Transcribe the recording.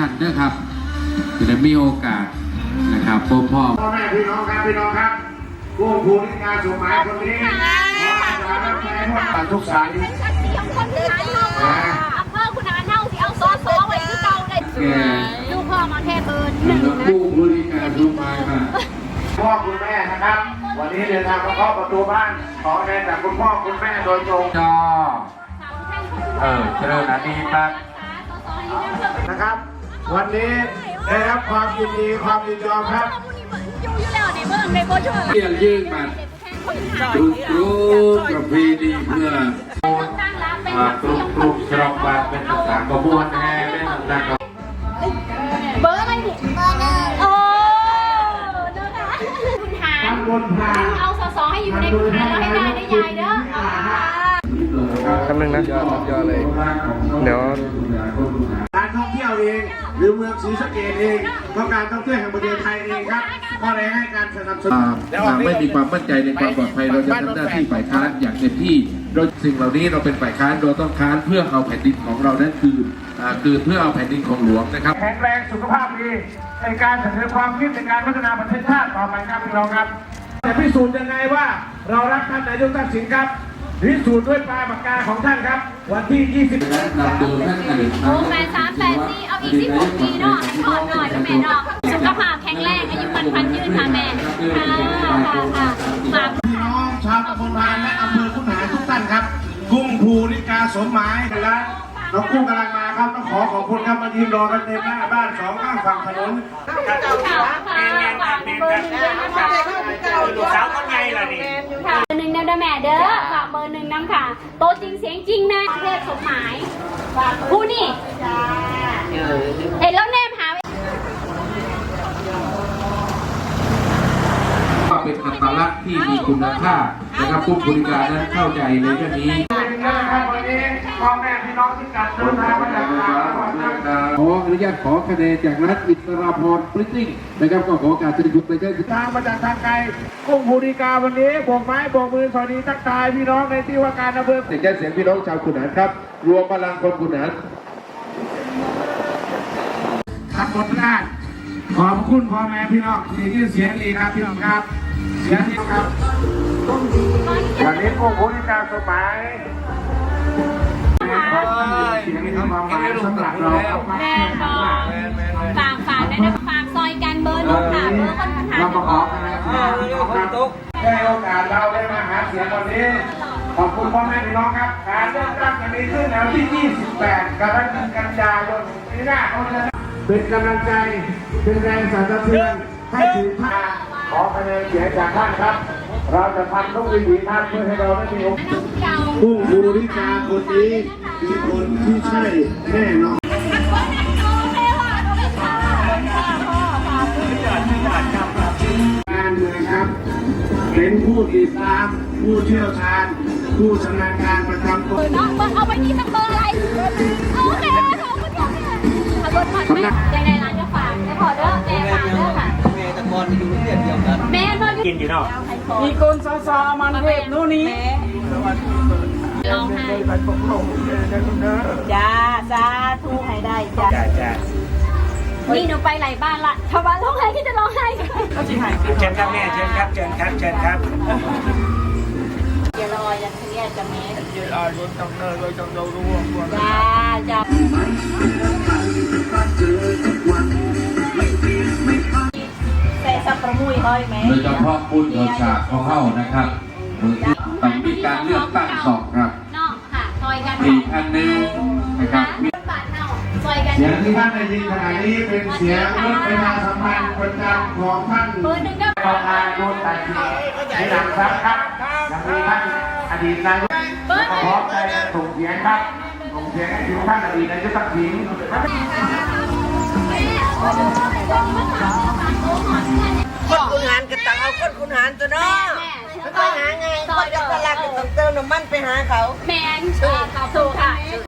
านด้วยครับจะได้มีโอกาสนะครับพ่อพ่อแม่พี่น้องครับผู้ภูมิการสมัยคนนี้ขออาสารับใช้พวกปันทุกสายเป็นชัดเสียงคนที่ไหนเนาอำเภอคุณอาเน่าที่เอาซอไว้ที่เก่าได้ลูกพ่อมาแทนเบอร์1นะผู้ภูมิการสมัยมาพ่อคุณแม่นะครับ วันนี้เดินทางมาเคาะประตูบ้านขอแทนจากคุณพ่อคุณแม่โดยตรงจอเจริญอดีตนะครับวันนี้ได้รับความยินดีความยินยอมครับอยู่แล้วในเมืองในโบชัวเรียนยื่นมารู้ประเพณีเพื่อปลุกฉลองบาทเป็นต่างกระบวนแห่เป็นต่างเบอร์อะไรดิเบอร์1โอ้นะคะคุณหารเอาสอให้อยู่ในคุณหารแล้วให้ได้ใหญ่เด้อคำนึงนะยอเลยเดี๋ยวการท่องเที่ยวเองหรือเมืองศรีสะเกษเองก็การท่องเที่ยวแห่งประเทศไทยเองครับก็ได้ให้การสนับสนุนไม่มีความมั่นใจในความปลอดภัยเราจะทำหน้าที่ฝ่ายค้านอย่างเต็มที่โดยสิ่งเหล่านี้เราเป็นฝ่ายค้านเราต้องค้านเพื่อเอาแผ่นดินของเรานั้นคือเพื่อเอาแผ่นดินของหลวงนะครับแข็งแรงสุขภาพดีในการเสนอความคิดในการพัฒนาประเทศชาติต่อไปครับพี่น้องครับจะพิสูจน์ยังไงว่าเรารักท่านนายกทักษิณครับพิสูจน์ด้วยปลายปากกาของท่านครับวันที่20 นำดูท่านนายกโอ้8384เอาอีก16ปีเนาะให้พอหน่อยนะแม่เนาะสุขภาพแข็งแรงอายุมันยืนค่ะแม่ค่ะพี่น้องชาวตำบลพานและอำเภอขุนหารทุกท่านครับกุ้งภูริกาสมหมายและน้องกุ้งกำลังมาครับต้องขอบคุณครับมายืนรอกันเต็มหน้าบ้าน2ข้างฝั่งถนนลูกสาวคนใหญ่ล่ะนี่ค่ะ1น้ำแม่เด้อฝากเบอร์1น้ำค่ะโตจริงเสียงจริงนะเทพสมหมายผู้นี่เห็นแล้วแนมหาว่าเป็นอัตลักษณ์ที่มีคุณค่านะครับผู้บริการนั้นเข้าใจในเรื่องนี้วันนี้พ่อแม่พี่น้องที่กัดเดินทางมาจากขออนุญาตขอคะแนนจากรัฐอิสราพรปริ้นติ้งนะครับก็ขอการสรุปในการทางมาจากทางไกลกุ้งภูริกาวันนี้โบกไม้โบกมือสวัสดีทักทายพี่น้องในที่ว่าการอำเภอเสียงพี่น้องชาวขุนหารครับรวมพลังคนขุนหารขับบทแรกขอบคุณพ่อแม่พี่น้องที่เสียงดีครับพี่น้องครับเสียงดีครับวันนี้กุ้งภูริกาสมัยเสียงนี้เขามาสำหรับเราแม่ฝากนะฝากซอยกันเบอร์1ค่ะเบอร์คนหาเรามาขอกันนะครับได้โอกาสเราได้มาหาเสียงวันนี้ขอบคุณพ่อแม่พี่น้องครับการเลือกตั้งจะมีขึ้นในวันที่28กรกฎาคมปีหน้าเขาจะเป็นกำลังใจเป็นแรงสั่นสะเทือนให้ถึงท่านขอคะแนนเสียงจากท่านครับเราจะทำทุกวิถีทางเพื่อให้เราได้มีโอกาสผู้บริการคนนี้มีคนที่ใช่แน่นอนการเมืองครับเป็นผู้ติดตามผู้เชี่ยวชาญผู้ชำนาญการประจำตัวน้องเอาไปที่เบอร์อะไรโอเคขอบคุณค่ะเบอร์ผ่อนแม่ในร้านจะฝากจะขอเด้อแม่ฝากเด้อค่ะแม่ตะกอนอยู่ที่เดียวกันแม่มากินอยู่เนาะมีคนซามันเทพนู่นนี่ลองให้จ้าสาธุให้ได้จ้านี่หนูไปหลายบ้านละชาวบ้านร้องไห้ที่จะร้องไห้เชิญครับแม่เชิญครับเชิญครับเชิญครับอย่ารออย่าเครียดจะแม่อย่ารอรถต้องเนินเลยต้องรู้จ้าจ้าใส่สับประมุยห้อยไหมโดยเฉพาะบุญเกิดฉากของเข้านะครับต้องมีการเลือกตั้งสองครับนอกค่ะซอยกันอีกอันหนึ่งนะครับเสียงที่ท่านได้ยินขณะนี้เป็นเสียงรถประชาสัมพันธ์ประจำของท่านประธานโนนตัดสินในหลังครับยังมีท่านอดีตนายกขอใจส่งเสียงครับส่งเสียงให้ถึงท่านอดีตนายกทักษิณคนคุณหารก็ต้องเอาคนคุณหารตัวเนาะไม่ค่อยหาไงคนจะตลาดก็ต้องเติมน้ำมันไปหาเขาแมนถูกค่ะ